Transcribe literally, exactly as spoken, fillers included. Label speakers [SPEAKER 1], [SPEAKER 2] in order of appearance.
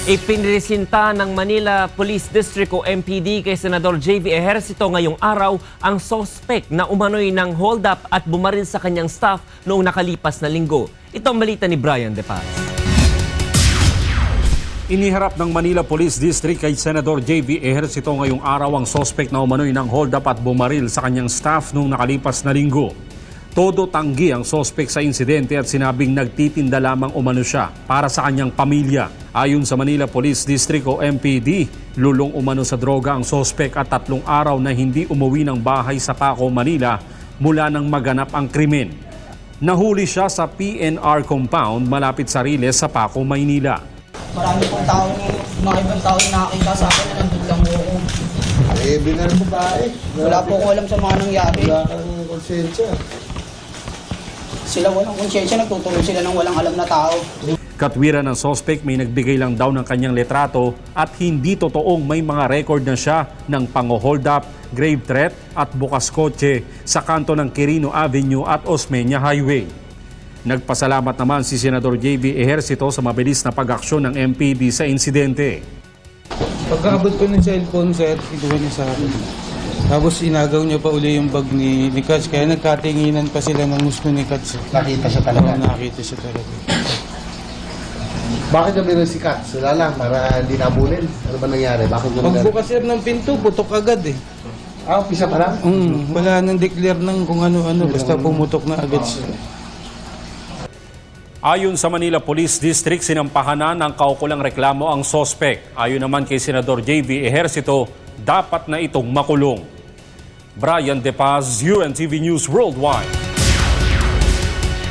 [SPEAKER 1] Ipinresinta ng Manila Police District o M P D kay Senador J V Ejercito ngayong araw ang suspect na umano'y ng hold-up at bumaril sa kanyang staff noong nakalipas na linggo. Ito ang balita ni Brian De Paz.
[SPEAKER 2] Iniharap ng Manila Police District kay Senador J V Ejercito ngayong araw ang suspect na umano'y ng hold-up at bumaril sa kanyang staff noong nakalipas na linggo. Todo tanggi ang suspect sa insidente at sinabing nagtitinda lamang umano siya para sa kanyang pamilya. Ayon sa Manila Police District o M P D, lulong umano sa droga ang suspect at tatlong araw na hindi umuwi ng bahay sa Paco, Manila mula nang maganap ang krimen. Nahuli siya sa P N R compound malapit sa Riles sa Paco, Maynila.
[SPEAKER 3] Marami pong tao, mga ibang tao na nakakita sa akin na nandun lang po ako.
[SPEAKER 4] Eh, binar mo ba eh?
[SPEAKER 3] Wala po ko alam sa mga nangyari.
[SPEAKER 4] Wala kang konsensya.
[SPEAKER 3] Sila walang konsyensya, nagtutulong sila ng walang alam na tao.
[SPEAKER 2] Katwiran ng suspect may nagbigay lang daw ng kanyang letrato at hindi totoong may mga record na siya ng pang-hold up, grave threat at bukas kotse sa kanto ng Quirino Avenue at Osmeña Highway. Nagpasalamat naman si Senador J V Ejercito sa mabilis na pag-aksyon ng M P D sa insidente.
[SPEAKER 5] Pagkaabot ko ng cellphone, sir, ituwa niya sa akin. Tapos inagaw niya pa uli yung bag ni, ni Katz, kaya nagkatinginan pa sila ng gusto ni Katz.
[SPEAKER 4] Nakita siya talaga.
[SPEAKER 5] Oo, nakita siya talaga.
[SPEAKER 4] Bakit na meron si Katz? Wala lang, para hindi nabulin. Ano ba nangyari? Bakit na
[SPEAKER 5] Pagbukas sir ng pinto, putok agad eh.
[SPEAKER 4] Ah, pisa pa lang?
[SPEAKER 5] Mm, wala nang declare ng kung ano-ano, basta pumutok na agad siya.
[SPEAKER 2] Ayon sa Manila Police District, sinampahan na ng kaukulang reklamo ang suspect. Ayon naman kay Senador J V Ejercito, dapat na itong makulong. Brian De Paz, U N T V News Worldwide.